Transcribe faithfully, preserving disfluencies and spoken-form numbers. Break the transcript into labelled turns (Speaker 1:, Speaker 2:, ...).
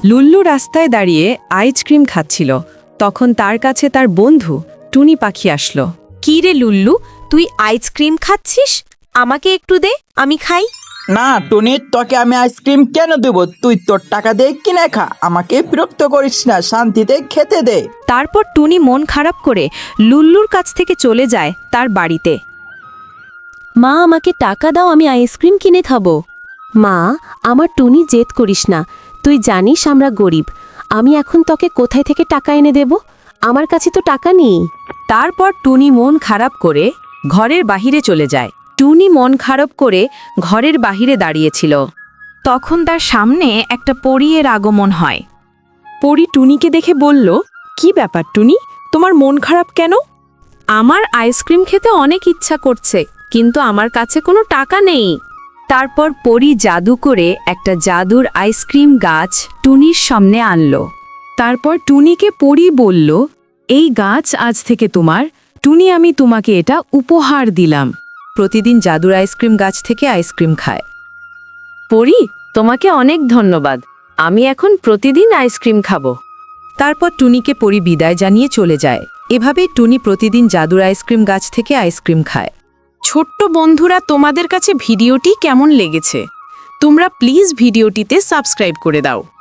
Speaker 1: লুল্লু রাস্তায় দাঁড়িয়ে আইসক্রিম খাচ্ছিল। তখন তার কাছে তার বন্ধু টুনি পাখি আসলো।
Speaker 2: কি রে লুল্লু, তুই আইসক্রিম খাচ্ছিস? আমাকে একটু দে, আমি খাই।
Speaker 3: না টুনি, তোকে আমি আইসক্রিম কেন দেব? তুই তোর টাকা দিয়ে কিনে খা, আমাকে বিরক্ত করিস না, শান্তিতে খেতে দে।
Speaker 2: তারপর টুনি মন খারাপ করে লুল্লুর কাছ থেকে চলে যায় তার বাড়িতে। মা, আমাকে টাকা দাও, আমি আইসক্রিম কিনে খাবো। মা, আমার টুনি জেদ করিস না, তুই জানিস আমরা গরিব। আমি এখন তোকে কোথায় থেকে টাকা এনে দেব? আমার কাছে তো টাকা নেই।
Speaker 1: তারপর টুনি মন খারাপ করে ঘরের বাহিরে চলে যায়। টুনি মন খারাপ করে ঘরের বাহিরে দাঁড়িয়েছিল। তখন তার সামনে একটা পরীর আগমন হয়। পরী টুনিকে দেখে বলল, কি ব্যাপার টুনি, তোমার মন খারাপ কেন?
Speaker 2: আমার আইসক্রিম খেতে অনেক ইচ্ছা করছে, কিন্তু আমার কাছে কোনো টাকা নেই।
Speaker 1: তারপর পরী জাদু করে একটা জাদুর আইসক্রিম গাছ টুনির সামনে আনলো। তারপর টুনিকে পরী বলল, এই গাছ আজ থেকে তোমার। টুনি, আমি তোমাকে এটা উপহার দিলাম। প্রতিদিন জাদুর আইসক্রিম গাছ থেকে আইসক্রিম খায়। পরী, তোমাকে অনেক ধন্যবাদ। আমি এখন প্রতিদিন আইসক্রিম খাবো। তারপর টুনিকে পরী বিদায় জানিয়ে চলে যায়। এভাবেই টুনি প্রতিদিন জাদুর আইসক্রিম গাছ থেকে আইসক্রিম খায়।
Speaker 4: ছোট্ট বন্ধুরা, তোমাদের কাছে ভিডিওটি কেমন লেগেছে? তোমরা প্লিজ ভিডিওটিতে সাবস্ক্রাইব করে দাও।